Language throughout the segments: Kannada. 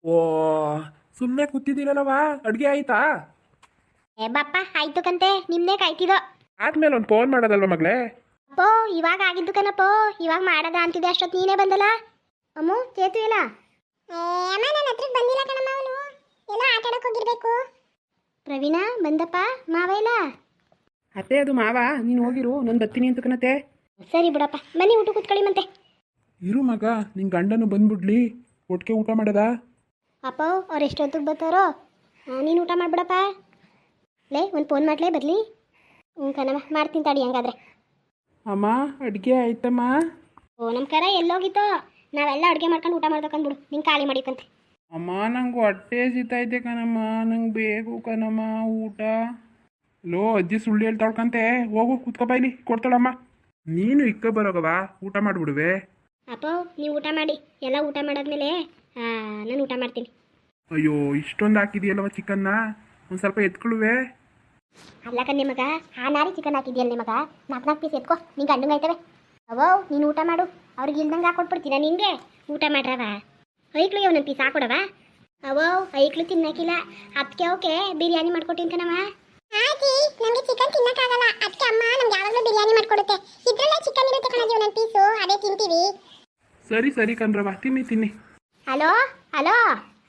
ಓ, ಸುಮ್ಮನೆ ಕೂತಿದ್ದೀರಲ್ಲವ, ಅಡುಗೆ ಆಯ್ತಾ? ಏ ಬಪ್ಪ ಆಯ್ತು ಕಂತೆ, ನಿಮ್ದೇ ಕಾಯ್ತಿದೋ. ಆದ್ಮೇಲೆ ಒಂದು ಫೋನ್ ಮಾಡೋದಲ್ವ ಮಗಳೇ? ಅಪ್ಪೋ ಇವಾಗ ಆಗಿದ್ದು ಕಣಪ್ಪೋ, ಇವಾಗ ಮಾಡದ ಅಂತಿದ್ದೆ ಅಷ್ಟೊತ್ತು ನೀನೇ ಬಂದಲ್ಲ. ಅಮ್ಮು ಚೇತು ಇಲ್ಲ? ಅಮ್ಮ ನನ್ನ ಹತ್ರಕ್ಕೆ ಬಂದಿಲ್ಲ ಕಣಮ್ಮ, ಅವನು ಎಲ್ಲ ಆಟ ಆಡಕ್ಕೆ ಹೋಗಿರ್ಬೇಕು. ಪ್ರವೀಣ ಬಂದಪ್ಪ, ಮಾವ ಇಲ್ಲ? ಅತ್ತೆ ಅದು ಮಾವ, ನೀನು ಹೋಗಿರು, ನಾನು ಬರ್ತೀನಿ ಅಂತ ಕಣತೆ. ಸರಿ ಬಿಡಪ್ಪ, ಬನ್ನಿ ಊಟ ಕೂತ್ಕೊಳ್ಳಿ ಮತ್ತೆ. ಇರು ಮಗ, ನಿನ್ನ ಗಂಡನು ಬಂದ್ಬಿಡ್ಲಿ, ಒಟ್ಟಿಗೆ ಊಟ ಮಾಡದ? ಅಪ್ಪ ಅವ್ರು ಎಷ್ಟೊತ್ತಿಗೆ ಬರ್ತಾರೋ? ನೀನು ಊಟ ಮಾಡ್ಬಿಡಪ್ಪ. ಲೇ ಒಂದು ಫೋನ್ ಮಾಡ್ಲೇ ಬರಲಿ. ಹ್ಞೂ ಕಣಮ್ಮ, ಮಾಡ್ತೀನಿ ತಡಿ ಹಂಗಾದ್ರೆ. ಅಮ್ಮ ಅಡುಗೆ ಆಯ್ತಮ್ಮ? ಓ ನಮ್ಮ ಕರ ಎಲ್ಲೋಗಿತ್ತೋ, ನಾವೆಲ್ಲ ಅಡುಗೆ ಮಾಡ್ಕೊಂಡು ಊಟ ಮಾಡ್ಬೇಕಂದ್ಬಿಡು, ನಿಂಗೆ ಖಾಲಿ ಮಾಡಿಕಂತೆ. ಅಮ್ಮ ನಂಗೆ ಹೊಟ್ಟೆ ಸಿತೈತೆ ಕಣಮ್ಮ, ನಂಗೆ ಬೇಕು ಕಣಮ್ಮ ಊಟ. ಲೋ ಅಜ್ಜಿ ಸುಳ್ಳು ಹೇಳ್ತಾಳ್ಕಂತೆ, ಹೋಗು ಕೂತ್ಕೊಬ ಇಲ್ಲಿ, ಕೊಡ್ತಾಳಮ್ಮ. ನೀನು ಇಕ್ಕ ಬರೋಗವ, ಊಟ ಮಾಡಿಬಿಡುವೆ. ಅಪ್ಪ ನೀವು ಊಟ ಮಾಡಿ, ಎಲ್ಲ ಊಟ ಮಾಡಾದ್ಮೇಲೆ ನಾನು ಊಟ ಮಾಡ್ತೀನಿ. ಅಯ್ಯೋ ಇಷ್ಟೊಂದು ಹಾಕಿದೆಯಲ್ಲವ ಚಿಕನ್ನ, ಒಂದು ಸ್ವಲ್ಪ ಎತ್ಕೊಳ್ಳುವೆ. ಅಲ್ಲ ಕಣ್ಣೆ ಮಗ, ಆ ನಾರಿ ಚಿಕನ್ ಹಾಕಿದ್ಯಲ್ಲ ನಿಮಗ, 4 ಪೀಸ್ ಎತ್ಕೋ, ನಿಂಗೆ ಗಂಡಂಗೆ ಆಯ್ತವೆ. ಅವೋ ನೀನು ಊಟ ಮಾಡು, ಅವ್ರಿಗೆ ಇಲ್ದಂಗೆ ಹಾಕೊಟ್ಬಿಡ್ತೀನ ನಿಂಗೆ. ಊಟ ಮಾಡ್ರವ, ಐಕ್ಳಿಗೆ ಒಂದೊಂದು ಪೀಸ್ ಹಾಕೊಡವ. ಅವೋ ಐಕ್ಳು ತಿನ್ನಕ್ಕಿಲ್ಲ, ಅದಕ್ಕೆ ಓಕೆ ಬಿರಿಯಾನಿ ಮಾಡ್ಕೊಟ್ಟಿನ ಕಣವ. ಆಂಟಿ ನಮಗೆ ಚಿಕನ್ ತಿನ್ನಕ್ಕಾಗಲ್ಲ, ಅದಕ್ಕೆ ಅಮ್ಮ ನಮ್ಗೆ ಯಾವಾಗಲೂ ಬಿರಿಯಾನಿ ಮಾಡ್ಕೊಡುತ್ತೆ. ಇದ್ರಲ್ಲೇ ಚಿಕನ್ ಇರುತ್ತೆ ಕಣಜಿ, ಒಂದೊಂದು ಪೀಸು ಅದೇ ತಿಂತೀವಿ. ಸರಿ ಸರಿ ಕಣ್ರವ, ತಿನ್ನಿ ತಿನ್ನಿ. ಹಲೋ ಹಲೋ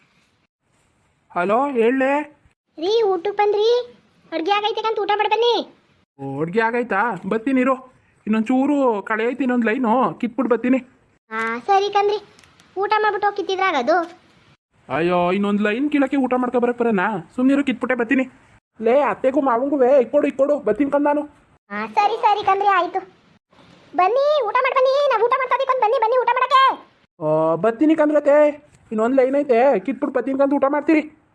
ಹಲೋ ಹೇಳಲೆ ರೀ, ಊಟಕ್ಕೆ ಬಂದ್ರಿ? ಅಡುಗೆ ಆಗೈತೆ ಕಂತ ಊಟ ಮಾಡಿ ಬನ್ನಿ. ಅಡುಗೆ ಆಗೈತಾ? ಬರ್ತೀನಿ ಇರು, ಇನ್ನೊಂದು ಚೂರು ಕಳೆ ಐತಿ, ಇನ್ನೊಂದು ಲೈನು ಕಿತ್ಬಿಟ್ಟು ಬರ್ತೀನಿ. ಸರಿ ಕಂದ್ರಿ, ಊಟ ಮಾಡ್ಬಿಟ್ಟು ಹೋಗಿತ್ತಿದ್ರಾಗದು. ಅಯ್ಯೋ ಇನ್ನೊಂದು ಲೈನ್ ಕೀಳಕ್ಕೆ ಊಟ ಮಾಡ್ಕೊ ಬರಕ್ಕೆ ಬರೋಣ, ಸುಮ್ಮನಿರು ಕಿತ್ಬಿಟ್ಟೆ ಬರ್ತೀನಿ. ಲೇ ಅತ್ತೆಗೂ ಮಾವಂಗೂ ಇಕ್ಕೊಡು ಬರ್ತೀನಿ ಕಂದ ನಾನು. ಸರಿ ಸರಿ ಕಂದ್ರಿ, ಆಯಿತು. ಬನ್ನಿ ಊಟ ಮಾಡಿ ಬನ್ನಿ, ನಾವು ಊಟ ಮಾಡ್ತಾ ಬನ್ನಿ ಬನ್ನಿ ಊಟ ಮಾಡಕ್ಕೆ. ಬರ್ತೀನಿ ಕಂದ್ರತೆ, ಇನ್ನೊಂದು ಲೈನ್ ಐತೆ ಕಿತ್ಬಿಟ್ಟು ಬರ್ತೀನಿ ಕಂದು ಊಟ ಮಾಡ್ತೀರಿ.